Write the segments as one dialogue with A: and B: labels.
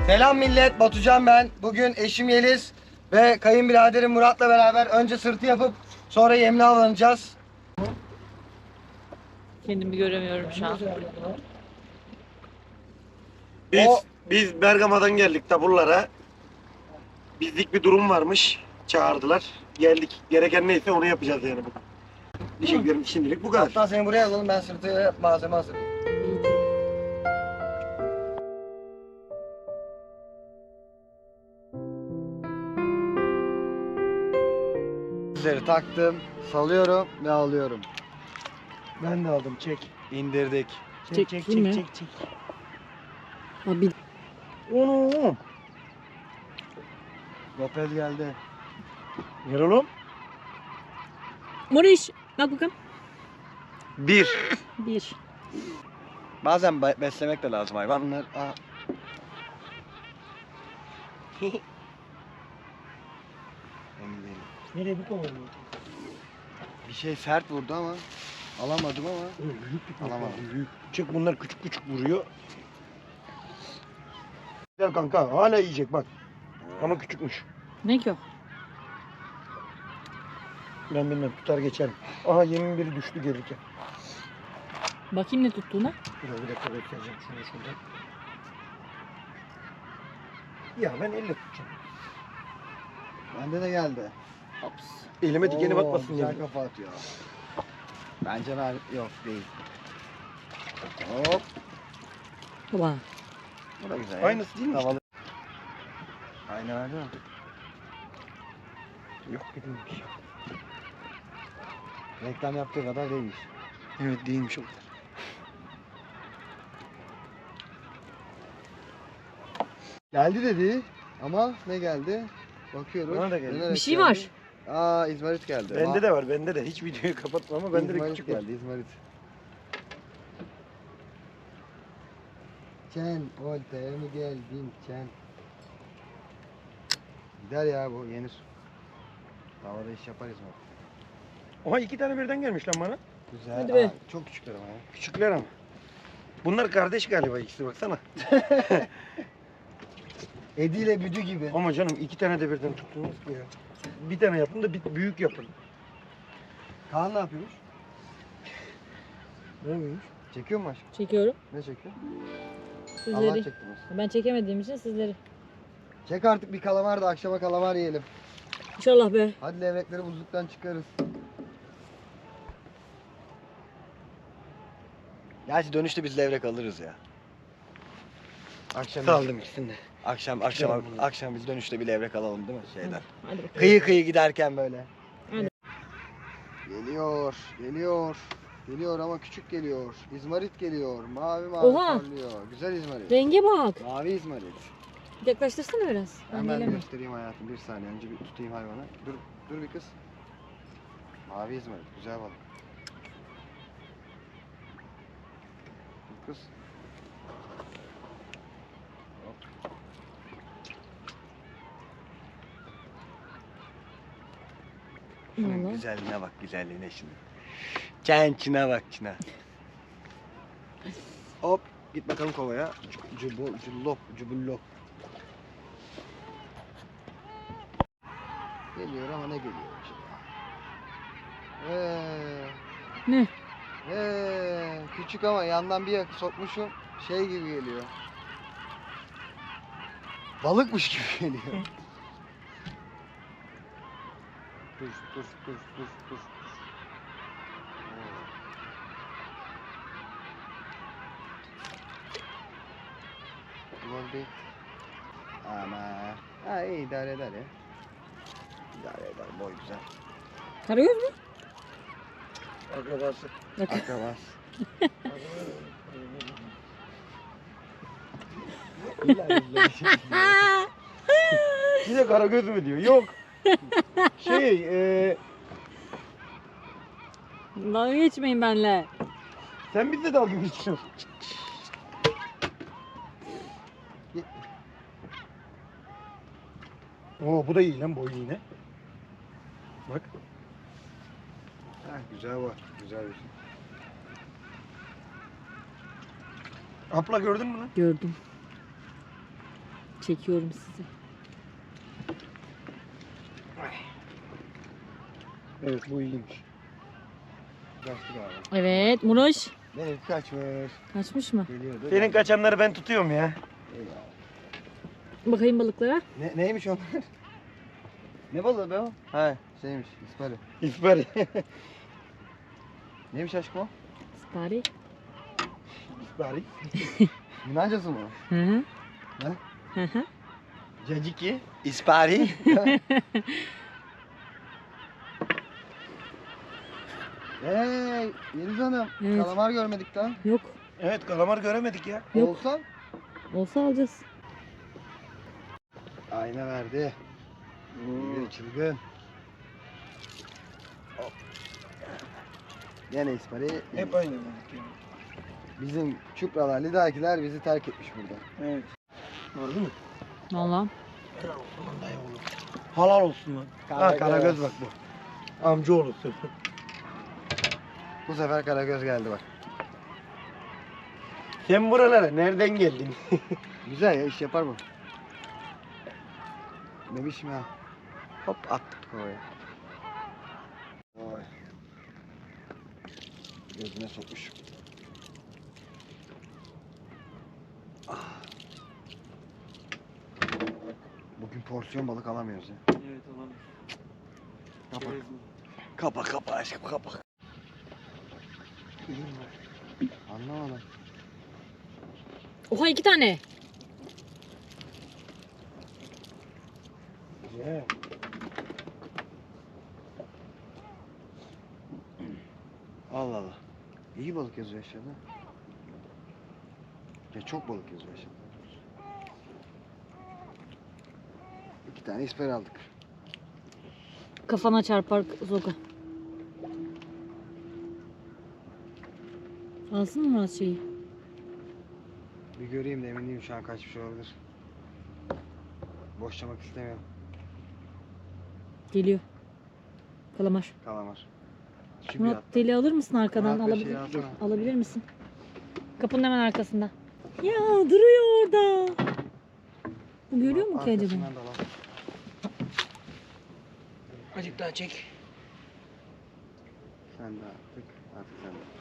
A: Selam millet, Batucan ben. Bugün eşim Yeliz ve kayınbiraderim Murat'la beraber önce sırtı yapıp sonra yemle avlanacağız.
B: Kendimi göremiyorum şu an.
C: Biz Bergama'dan geldik taburlara. Bizlik bir durum varmış. Çağırdılar. Geldik. Gereken neyse onu yapacağız yani bugün. Teşekkürlerim şimdilik bu kadar.
A: Hatta seni buraya alalım, ben sırtı malzeme hazırlayayım. Sizleri taktım, salıyorum ve alıyorum.
C: Ben de aldım. Çek.
A: İndirdik.
B: Çekeyim mi?
C: çek.
B: Abi
C: Onu.
A: Gopel geldi.
C: Ver oğlum.
B: Moriş bak bakalım.
A: Bir.
B: Bir.
A: Bazen beslemek de lazım hayvanlar. Emin değilim.
C: Nereye bu kadar?
A: Bir şey sert vurdu ama alamadım ama
C: Büyük bir
A: alamadım.
C: Büyük. Çık bunlar küçük küçük vuruyor. Gel kanka hala yiyecek bak. Ama küçükmüş.
B: Ne ki o?
C: Ben bilmem tutar geçerim. Aha yemin biri düştü gelirken.
B: Bakayım ne tuttuğuna.
C: Bir dakika bekleyeceğim şunu şuradan. Ya ben elle tutacağım.
A: Bende de geldi.
B: Ops.
C: Elime dikeni
A: Oo,
C: batmasın
A: güzel
C: diye.
A: kafa atıyor. Bence ben yok değil. Hop.
B: Baba.
A: Bu da güzel.
C: Aynısı değil mi işte?
A: Tavalı. Aynı verdi mi?
C: Yok değilmiş.
A: Reklam yaptığı kadar değilmiş.
C: Evet değilmiş o kadar.
A: Geldi dedi ama ne geldi? Bakıyoruz.
C: Bana da geldi.
A: Dönerek
B: Bir şey
A: geldi.
B: var.
A: Aa İzmarit geldi.
C: Bende de var bende de. Hiç videoyu kapatma ama bende de
A: İzmarit
C: küçük var.
A: geldi İzmarit. Çen oltaya mı geldin Çen? Gider ya bu yenir. Havada iş yapar İzmarit.
C: Oha 2 tane birden gelmiş lan bana.
A: Güzel.
B: Hadi be.
A: Çok küçükler ama ya.
C: Küçükler ama. Bunlar kardeş galiba ikisi baksana.
A: Edi ile Büdü gibi.
C: Ama canım 2 tane de birden tuttunuz ki ya. Bir tane yapın da bir büyük yapın.
A: Kaan ne yapıyormuş?
C: Ne miymiş?
A: Çekiyor mu aşkım?
B: Çekiyorum.
A: Ne çekiyor? Allah
B: Sizleri.
A: çektirmez.
B: Ben çekemediğim için sizleri.
A: Çek artık bir kalamar da akşama kalamar yiyelim.
B: İnşallah be.
A: Hadi levrekleri buzluktan çıkarız. Gerçi dönüşte biz levrek alırız ya. Akşam
C: Saldım ikisini de.
A: akşam biz dönüşte bir levrek alalım değil mi şeyden?
B: Hadi bakalım.
A: Kıyı giderken böyle.
B: Hadi.
A: Geliyor ama küçük geliyor. İzmarit geliyor. Mavi
B: Oha!
A: parlıyor. Güzel İzmarit.
B: Renge bak.
A: Mavi İzmarit.
B: Yaklaştırsana biraz. Ben
A: Hemen
B: gelemiyorum.
A: göstereyim hayatım. Bir saniye önce bir tutayım hayvanı. Dur bir kız. Mavi İzmarit. Güzel balık. Dur kız. Hop. Şunun
B: Vallahi.
A: güzelliğine bak güzelliğine şimdi. Çençine bak çine. Hop git bakalım kovaya. Cubullop. Geliyor ama ne geliyor acaba?
B: Ne?
A: Küçük ama yandan bir yakı sokmuşum. Şey gibi geliyor. Balıkmış gibi geliyor. Dur. Gol değil. Ama iyi idare eder ya. İdare eder boy güzel.
B: Karagöz mü?
C: Akrabası.
A: Akrabas.
C: Bir de karagöz mü diyor? Yok.
B: Dalga geçmeyin benimle.
C: Sen bizle dalga geçiyorsun. Oo bu da iyi lan boyu yine. Bak.
A: Güzel var. Güzel bir şey.
C: Abla gördün mü lan?
B: Gördüm. Çekiyorum sizi.
C: Evet bu iyiymiş.
A: Kaçtı galiba.
B: Evet Muroş.
A: Benimki kaçmış.
B: Kaçmış mı?
A: Geliyordu.
C: Senin kaçanları ben tutuyorum ya.
A: Eyvallah.
B: Bakayım balıklara.
A: Neymiş onlar? Ne balığı be o? Ha şeymiş ispari.
C: İsper.
A: Neymiş aşkım o?
B: Spari.
C: İspari.
A: Yunancası mı?
B: Hı hı.
A: Ne?
B: Hı hı.
A: Caciki. İspari. Hey Yeliz Hanım.
B: Evet.
A: Kalamar görmedik daha.
B: Yok.
C: Evet kalamar göremedik ya.
B: Yok.
A: Olsa.
B: Olsa alacağız.
A: Ayna verdi. Bir çılgın. Hop. Gene ispari.
C: Hep aynı balık ya.
A: Bizim çupralar, lidakiler bizi terk etmiş burada.
C: Evet. Gördün mü?
B: Valla.
C: Halal olsun lan.
A: Karagöz.
C: Ha Karagöz bak bu. Amca olursun.
A: Bu sefer Karagöz geldi bak.
C: Sen buralara nereden geldin?
A: Güzel ya iş yapar bu. Bebişim ha. Hop attık kovaya. Oy. Gözüne sokmuş. Ah. Bugün porsiyon balık alamıyoruz ya.
C: Evet alalım.
A: Kapa kapa aşkım kapa. Anlamadım.
B: Oha 2 tane.
C: Güzel.
A: Allah Allah. İyi balık yazıyor aşağıda. Ya çok balık yazıyor aşağıda. 2 tane isper aldık.
B: Kafana çarpar Zoga. Alsın mı Murat şeyi?
A: Bir göreyim de emin değilim şu an kaç bir şey olabilir. Boşlamak istemiyorum.
B: Geliyor. Kalamar.
A: Kalamar. Şu bir
B: Murat
A: hatta.
B: deli alır mısın arkadan?
A: Murat, bir şey alsana.
B: Alabilir misin? Kapının hemen arkasında. Ya duruyor orada. Bu görüyor mu ki acaba?
A: Arkasından da al.
C: Azıcık daha çek.
A: Sen de artık. Artık sen de.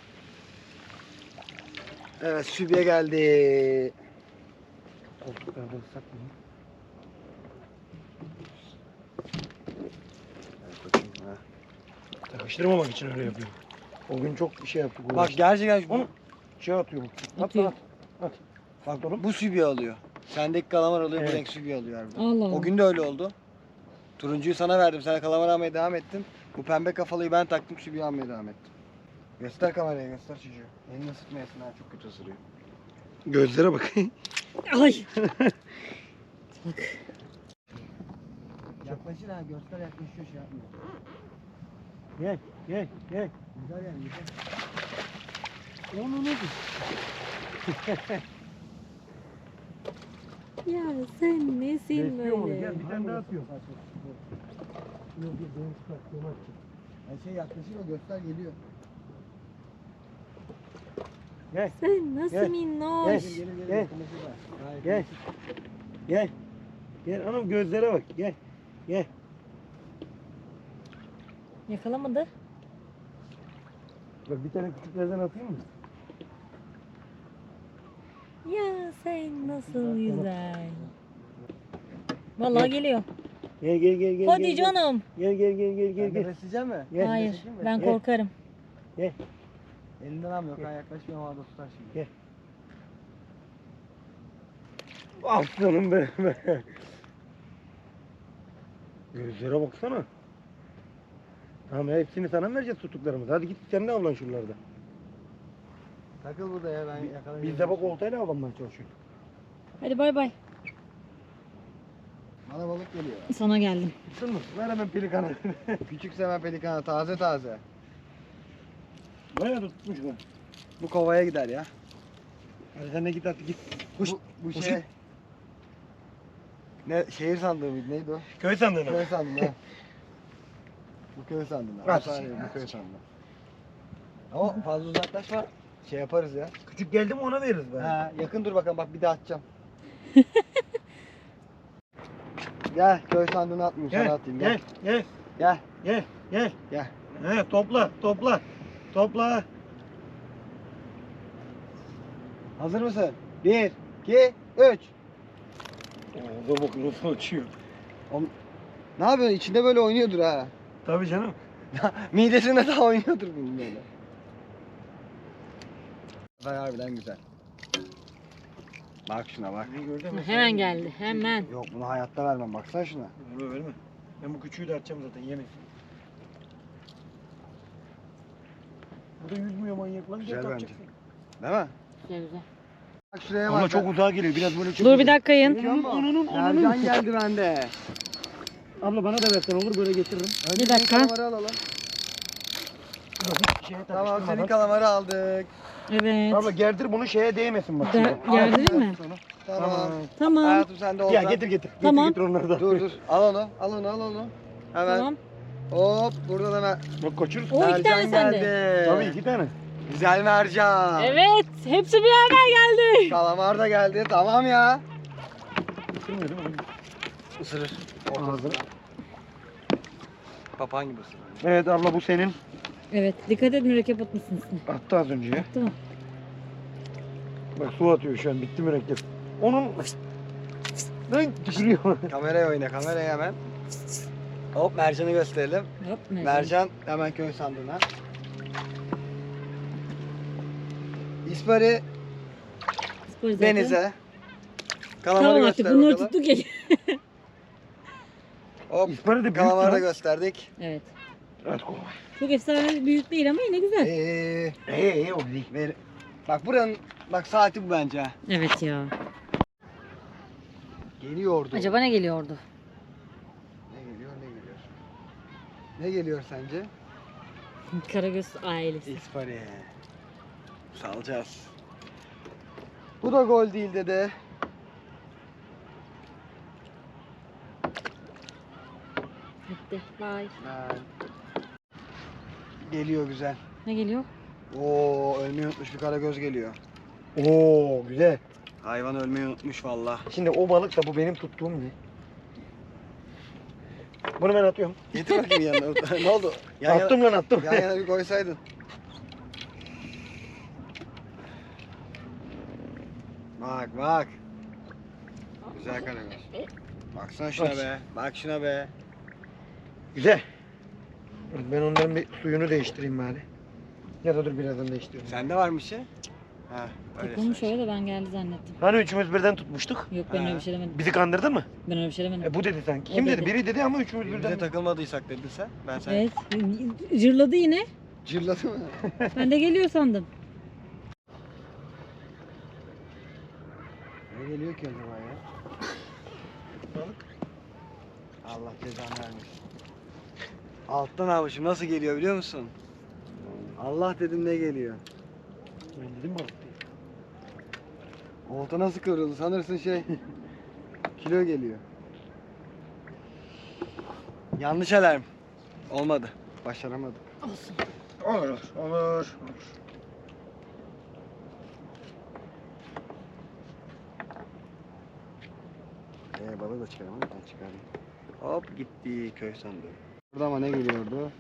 A: Evet sübye geldi.
C: Koltuklarda ıslak mı?
A: Evet koçum ha.
C: Takıştırmamak için öyle yapıyorum. O gün çok bir şey yaptık.
A: Bak gerçekten
C: Onu şey atıyor bu.
B: Atıyor.
C: At. Bak oğlum.
A: bu sübye alıyor. Sendeki kalamar alıyor,
C: Evet.
A: bu renk sübye alıyor harbiden.
B: Allah Allah.
A: O gün de öyle oldu. Turuncuyu sana verdim, sen kalamar almaya devam ettin. Bu pembe kafalıyı ben taktım, sübye almaya devam ettim. Göster kameraya, göster çocuğu. Elini ısıtmayasın ha, çok kötü ısırıyor.
C: Gözlere bak.
B: Ay. Bak.
A: Yaklaşır ha, göster yaklaşıyor şey yapmıyor.
C: Gel, gel, gel.
A: Güzel yani, güzel.
C: Onu ne
B: Ya sen nesin
C: Besliyor onu.
B: böyle?
C: Gel bir tane daha atıyor. Yok yok benim çıkarttığım açtım.
A: Yani şey yaklaşır o, göster geliyor.
C: Gel,
B: Sen nasıl
C: Gel.
B: minnoş?
C: Gel.
A: Gelir gelir
C: Gel.
A: yakınlaşır da. Gayet
C: gel.
A: iyi.
C: Gel. Gel hanım gözlere bak. Gel. Gel.
B: Yakalamadı.
C: Bak bir tane küçüklerden atayım mı?
B: Ya sen nasıl güzel. Vallahi geliyor.
C: Gel gel gel gel.
B: Hadi
C: gel,
B: canım.
C: Gel gel gel gel
A: Sen
C: gel.
A: de
C: gel.
A: besleyecek mi?
C: Gel.
B: Hayır.
A: Besleyecek mi?
B: Ben
C: Gel.
B: korkarım.
A: Elinden almıyor, kan yaklaşmıyor havada tutar şimdi.
C: Gel. Aslanım benim be. Gözlere baksana. Tamam hepsini sana mı vereceğiz tuttuklarımızı? Hadi git sen de avlan şuralarda.
A: Takıl burada ya, ben yakalayayım.
C: Biz de bak oltayla avlanmaya çalışıyoruz.
B: Hadi bay bay.
A: Bana balık geliyor.
B: Sana geldim.
C: Tuttun mu? Ver hemen pelikanı.
A: Küçük semen pelikana, taze taze.
C: Bayağı da tutmuş bu.
A: Bu kovaya gider ya.
C: Hadi sen de git hadi git. Kuş.
A: Bu
C: Kuş
A: şey...
C: git.
A: Ne, şehir sandığı mıydı, neydi o?
C: Köy sandığına.
A: Köy sandığı ha. Bu köy sandığı.
C: Bak.
A: Bu köy sandığı. Ama fazla uzaklaşma. Şey yaparız ya.
C: Küçük geldi mi ona veririz be.
A: Ha, yakın dur bakalım, bak bir daha atacağım. Gel köy sandığını atmayayım sana
C: Gel,
A: atayım.
C: gel, gel,
A: Gel.
C: gel, gel.
A: Gel.
C: He, topla, topla, topla.
A: Hazır mısın? 1, 2, 3.
C: Orada bak nasıl açıyor.
A: Ne yapıyorsun? İçinde böyle oynuyordur ha.
C: Tabii canım.
A: Midesinde daha oynuyordur bunun böyle. Harbiden güzel. Bak şuna bak.
C: Ne gördün mü?
B: Hemen geldi. Hemen.
A: Yok bunu hayatta vermem. Baksana şuna.
C: Verme, verme. Ben bu küçüğü de atacağım zaten yemesin. Bu da yüzmüyor manyak lan.
A: Güzel
C: Gel
A: bence.
C: takacaksın.
A: Değil mi?
B: Güzel güzel.
A: Bak şuraya bak.
C: Ama çok uzağa geliyor. Biraz böyle çok.
B: Dur bir dakika yayın.
A: Görüyor musun? Mercan geldi bende.
C: Abla bana da versen olur böyle getiririm.
A: Önce
B: Bir dakika.
A: senin kalamarı alalım.
C: Şeye
A: Tamam
C: takıştırmadan.
A: senin kalamarı aldık.
B: Evet.
C: Abla gerdir bunu şeye değmesin bak.
B: Gerdireyim mi?
A: Tamam.
B: Tamam.
A: Hayatım sen de
C: Ya
A: oradan.
C: getir getir.
B: Tamam.
C: Getir getir onları da.
A: Dur dur. Al onu. Al onu. Al onu. Hemen.
B: Tamam.
A: Hop. Buradan hemen.
C: Bak kaçırırsın.
B: O iki tane
A: Mercan
B: sende.
A: geldi.
C: Tabii 2 tane.
A: Güzel mercan.
B: Evet. Hepsi bir yerden geldi.
A: Kalamar da geldi. Tamam ya.
C: Isırmıyor değil mi?
A: Isırır.
C: Ağzına.
A: Papağan gibi ısırır.
C: Evet abla bu senin.
B: Evet. Dikkat et mürekkep atmışsın üstüne.
C: Attı az önce ya.
B: Tamam.
C: Bak su atıyor şu an bitti mürekkep. Onun lan tükürüyor.
A: Kameraya oyna. Kameraya hemen. Hop mercanı gösterelim.
B: Hop.
A: Mercan hemen köy sandığına. İspari
B: Spor zaten.
A: denize. Kalamarı
B: Tamam artık
A: göster
B: bunları
A: bakalım.
B: tuttuk ya.
A: Hop
C: İspari de büyük
A: kalamarı da
C: lan.
A: gösterdik.
B: Evet.
C: Evet kolay.
B: Çok efsane büyük değil ama yine güzel.
C: O değil.
A: Ver. Bak buranın bak saati bu bence. Ha.
B: Evet ya.
A: Geliyordu.
B: Acaba ne geliyordu?
A: Ne geliyor ne geliyor? Ne geliyor sence?
B: Karagöz ailesi.
A: İspari. Salacağız. Bu da gol değil dedi.
B: Bitti. Bye.
A: Geliyor güzel.
B: Ne geliyor?
A: Oo ölmeyi unutmuş bir karagöz geliyor.
C: Oo güzel.
A: Hayvan ölmeyi unutmuş valla.
C: Şimdi o balık da bu benim tuttuğum ne? Bunu ben atıyorum.
A: Getir bakayım yanına. Ne oldu? Yan
C: Attım lan attım.
A: Yana, yan yana bir koysaydın. Bak bak. Güzel karagöz. Baksana şuna be. Bak şuna be.
C: Güzel. Ben onların bir suyunu değiştireyim bari. Ya da dur birazdan değiştireyim.
A: Sende var mı şey? Ha, öyle.
B: Takılmış öyle de ben geldi zannettim.
C: Hani üçümüz birden tutmuştuk.
B: Yok ben
A: Ha.
B: öyle bir şey demedim.
C: Bizi kandırdın mı?
B: Ben öyle bir şey demedim.
C: Bu dedi sanki.
B: O
C: Kim dedi?
B: dedi.
C: Biri dedi ama üçümüz
A: Birbirine
C: birden.
A: takılmadıysak dedin sen. Ben sen
B: Evet. Cırladı yine.
A: cırladı mı?
B: Ben de geliyor sandım.
A: Ne geliyor ki acaba ya?
C: Balık.
A: Allah cezanı vermesin. Alttan almışım. Nasıl geliyor biliyor musun? Allah dedim ne geliyor?
C: Ben dedim balık değil.
A: Olta nasıl kıvrıldı? Sanırsın şey kilo geliyor. Yanlış alarm. Olmadı. Başaramadık.
B: Olsun.
C: Olur olur.
A: Balığı da çıkaramadım. Ben çıkarayım. Hop gitti köy sandığı. Burada ama ne geliyordu?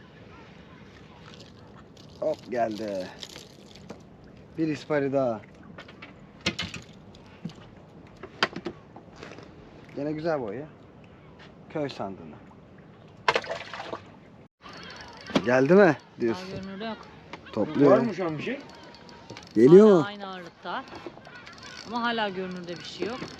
A: Hop geldi. Bir ispari daha. Gene güzel boy ya. Köy sandığına. Geldi mi
B: Daha
A: diyorsun?
B: görünürde yok.
C: Var
A: Topluyor.
C: mı şu an bir şey?
A: Geliyor
B: Hala
A: mu?
B: aynı ağırlıkta. Ama hala görünürde bir şey yok.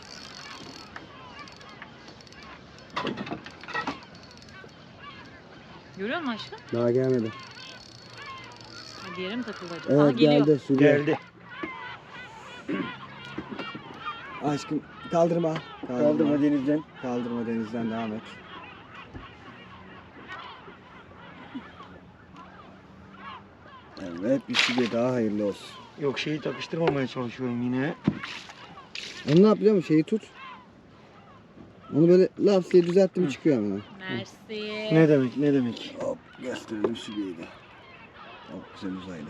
B: Görüyor musun aşkım?
A: Daha gelmedi.
B: Ha, diğeri mi takıldı acaba? Aha,
A: Evet
B: geliyor.
A: geldi. Sürüyor.
C: Geldi.
A: Aşkım kaldırma.
C: Kaldırma denizden.
A: Kaldırma denizden devam et. Evet bir süre daha hayırlı olsun.
C: Yok şeyi takıştırmamaya çalışıyorum yine.
A: Onu ne yapıyor musun? Şeyi tut. Onu böyle laf diye düzelttim çıkıyor hemen.
B: Mersi.
C: Ne demek ne demek?
A: Hop gösterelim sübiyeyi de. Hop güzel uzaylı.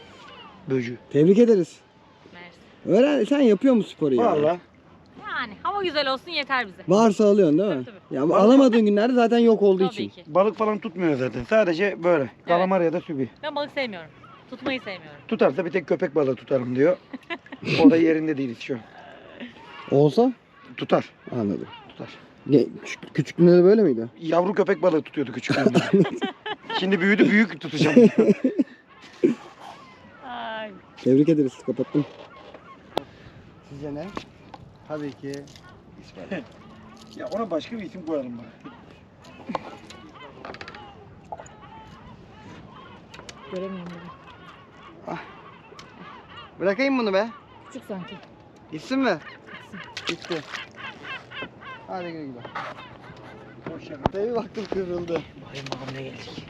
C: Böcü.
A: Tebrik ederiz.
B: Mersi.
A: Öğren sen yapıyor musun sporu ya?
C: Valla.
B: Yani hava Ama güzel olsun yeter bize.
A: Varsa alıyorsun değil mi?
B: Tabii,
A: Ya alamadığın günlerde zaten yok olduğu
B: Tabii
A: için.
B: ki.
C: Balık falan tutmuyor zaten. Sadece böyle. Kalamar ya da sübi.
B: Ben balık sevmiyorum. Tutmayı sevmiyorum.
C: Tutarsa bir tek köpek balığı tutarım diyor. O da yerinde değil şu an.
A: Olsa?
C: Tutar.
A: Anladım.
C: Tutar.
A: Küçüklüğünde de böyle miydi?
C: Yavru köpek balığı tutuyordu küçüklüğünde. Şimdi büyüdü, büyük tutacağım.
B: Ay.
A: Tebrik ederiz. Kapattım. Sizce ne? Tabii ki İsmail.
C: Ya ona başka bir isim koyalım bana.
B: Göremiyorum bunu.
A: Bırakayım bunu be.
B: Küçük sanki.
A: Gitsin mi? Gitti. Hadi güle güle. Tabii baktım kıvrıldı.
C: Bakayım bakalım ne gelecek.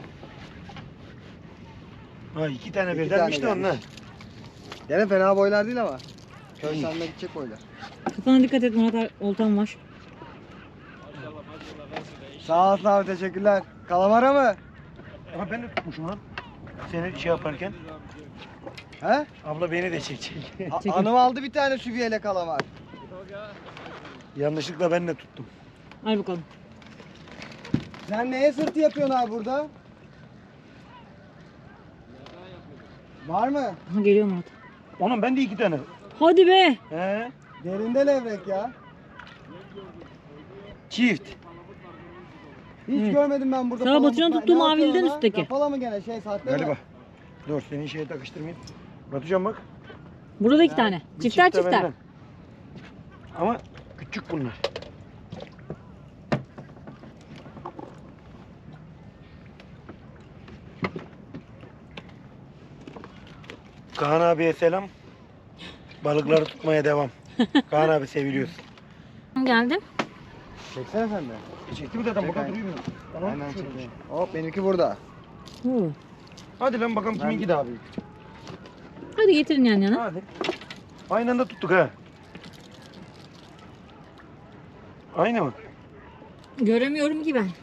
C: Ha 2 tane
A: İki
C: birdenmiş de
A: tane
C: onlar.
A: Gene fena boylar değil ama. Köy sandığına gidecek boylar.
B: Kafana dikkat et Murat, oltam var.
A: Sağ olasın abi, teşekkürler. Kalamara mı?
C: Ama ben de tutmuşum lan. Seni şey yaparken.
A: He?
C: Abla beni de çekecek.
B: Çekin.
A: Hanım aldı bir tane sübiyeli kalamar.
C: Yanlışlıkla ben de tuttum.
B: Al bakalım.
A: Sen neye sırtı yapıyorsun abi burada? Var mı?
B: Aha geliyor Murat.
C: Oğlum ben de 2 tane.
B: Hadi be.
C: He?
A: Derinde levrek ya.
C: Çift.
A: Hiç
B: Evet.
A: görmedim ben burada.
B: Sana
A: palamut
B: Batucan
A: var.
B: tuttuğu
A: Ne
B: mavili'den
A: yapıyor ona?
B: üstteki.
A: Kapalı mı gene şey sahte mi?
C: Galiba. Dur senin şeye takıştırmayayım. Batucan bak.
B: Burada da 2
A: Yani
B: tane.
C: Bir
B: Çifter
C: çift de
B: çifter.
C: benden. Ama küçük bunlar. Kaan abiye selam. Balıkları tutmaya devam. Kaan abi seviliyorsun.
B: Geldim.
A: Çeksene sen de.
C: Çekti mi zaten
A: Çek
C: burada
A: aynen.
C: duruyor mu? Tamam.
A: Aynen
C: şöyle.
A: çekeyim. Hop benimki burada.
B: Oo.
C: Hadi lan bakalım kiminki daha büyük.
B: Hadi getirin yan yana.
C: Hadi. Aynı anda tuttuk ha. Aynı mı?
B: Göremiyorum ki ben.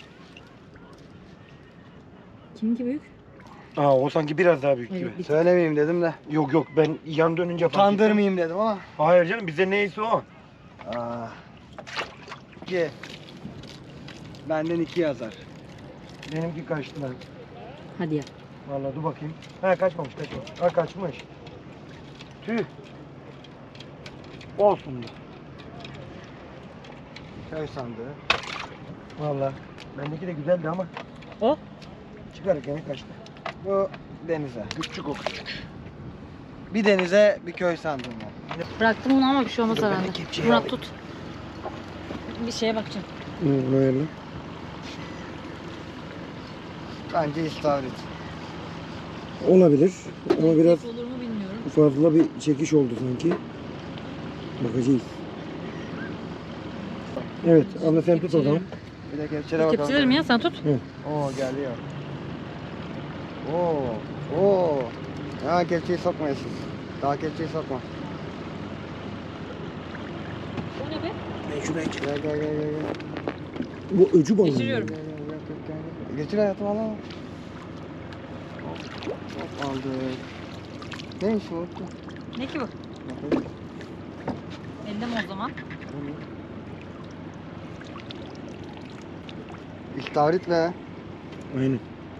B: Kiminki büyük?
C: Aa o sanki biraz daha büyük
B: Evet,
C: gibi.
B: bir-
A: Söylemeyeyim dedim de.
C: Yok yok ben yan dönünce fark ettim.
A: Utandırmayayım dedim ama.
C: Hayır canım bize neyse o.
A: Aa. 2. Benden 2 yazar.
C: Benimki kaçtı lan.
B: Hadi ya.
C: Vallahi dur bakayım. Ha kaçmamış. Ha kaçmış. Tüh. Olsun diyor.
A: Köy sandığı.
C: Vallahi. Bendeki de güzeldi ama
B: O?
C: çıkarken kaçtı.
A: Bu denize.
C: Küçük o küçük.
A: Bir denize bir köy sandığı var.
B: Bıraktım bunu ama bir şey olmaz
C: Dur, ben de
B: herhalde.
C: kepçeyi
B: Murat
C: alayım.
B: tut. Bir şeye bakacağım.
A: Böyle. Bence istavrit.
D: Olabilir ama biraz
B: Olur mu bilmiyorum.
D: fazla bir çekiş oldu sanki. Bakacağız. Evet, abla sen tut o zaman.
A: Bir de kepçelere bakalım.
B: Kepçelerim ya sen tut.
A: Oo geliyor. Oo. Oo. Ha kepçeyi sokmayasın. Daha kepçeyi sokma.
B: O ne be?
C: Ben şuraya çık.
A: Gel gel gel gel. gel.
D: Bu öcü balığı.
B: Geçiriyorum.
A: Gel, gel, gel, gel, gel. Geçir hayatım al al. Hop aldık. Neymiş bu?
B: Ne ki bu?
A: Bakayım.
B: Elde mi o zaman?
A: İstavrit ve
D: Aynen.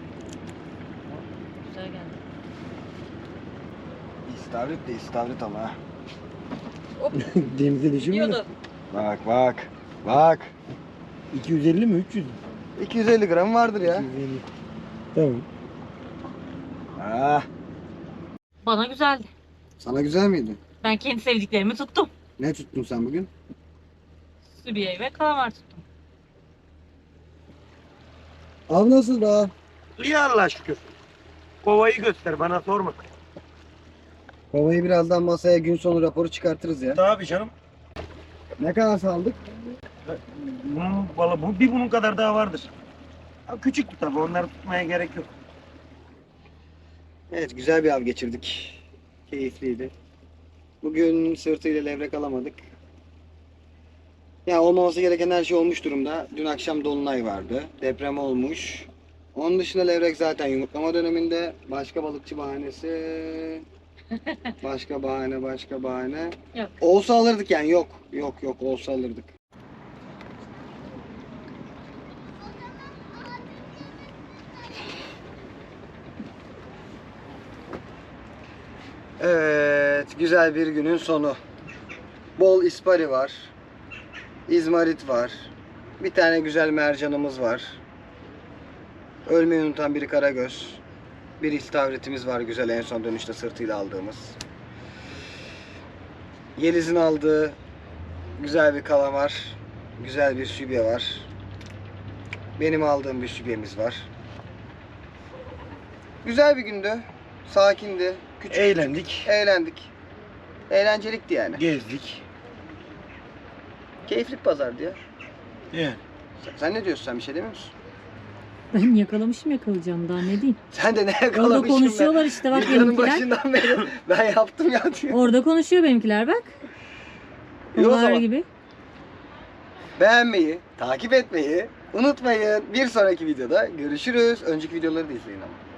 B: Güzel geldi.
A: İstavrit de istavrit ama ha.
D: Denize düşün mü?
B: Gidiyordu.
A: Bak bak. Bak.
D: 250 mi 300 mü?
A: 250 gram vardır ya.
D: 250. Tamam.
A: Ah.
B: Bana güzeldi.
A: Sana güzel miydi?
B: Ben kendi sevdiklerimi tuttum.
A: Ne tuttun sen bugün?
B: Sübiye ve kalamar tuttum.
A: Av nasıl daha?
C: İyi Allah'a şükür. Kovayı göster bana sorma.
A: Kovayı birazdan masaya gün sonu raporu çıkartırız ya.
C: Tabii canım.
A: Ne kadar saldık?
C: Bunun balı bunun kadar daha vardır. Ha, küçüktü tabii onları tutmaya gerek yok.
A: Evet güzel bir av geçirdik. Keyifliydi. Bugün sırtıyla levrek alamadık. Ya olmaması gereken her şey olmuş durumda. Dün akşam dolunay vardı. Deprem olmuş. Onun dışında levrek zaten yumurtlama döneminde. Başka balıkçı bahanesi Başka bahane, başka bahane.
B: Yok.
A: Olsa alırdık yani, yok. Yok yok, olsa alırdık. Evet, güzel bir günün sonu. Bol ispari var. İzmarit var. Bir tane güzel mercanımız var. Ölmeyi unutan bir karagöz. Bir istavritimiz var güzel, en son dönüşte sırtıyla aldığımız. Yeliz'in aldığı güzel bir kalamar. Güzel bir sübye var. Benim aldığım bir sübyemiz var. Güzel bir gündü. Sakindi. Küçük.
C: Eğlendik.
A: Eğlendik. Eğlencelikti yani.
C: Gezdik.
A: Keyifli bir pazardı ya.
C: Yani.
A: Sen ne diyorsun, sen bir şey demiyor musun?
B: Ben yakalamışım, yakalayacağım daha ne diyeyim.
A: Sen de ne
B: Orada
A: yakalamışsın
B: konuşuyorlar işte bak
A: Videonun
B: benimkiler.
A: başından beri ben yaptım ya diyor.
B: Orada konuşuyor benimkiler bak.
A: İyi o
B: Onlar
A: zaman.
B: gibi.
A: Beğenmeyi, takip etmeyi unutmayın. Bir sonraki videoda görüşürüz. Önceki videoları da izleyin ama.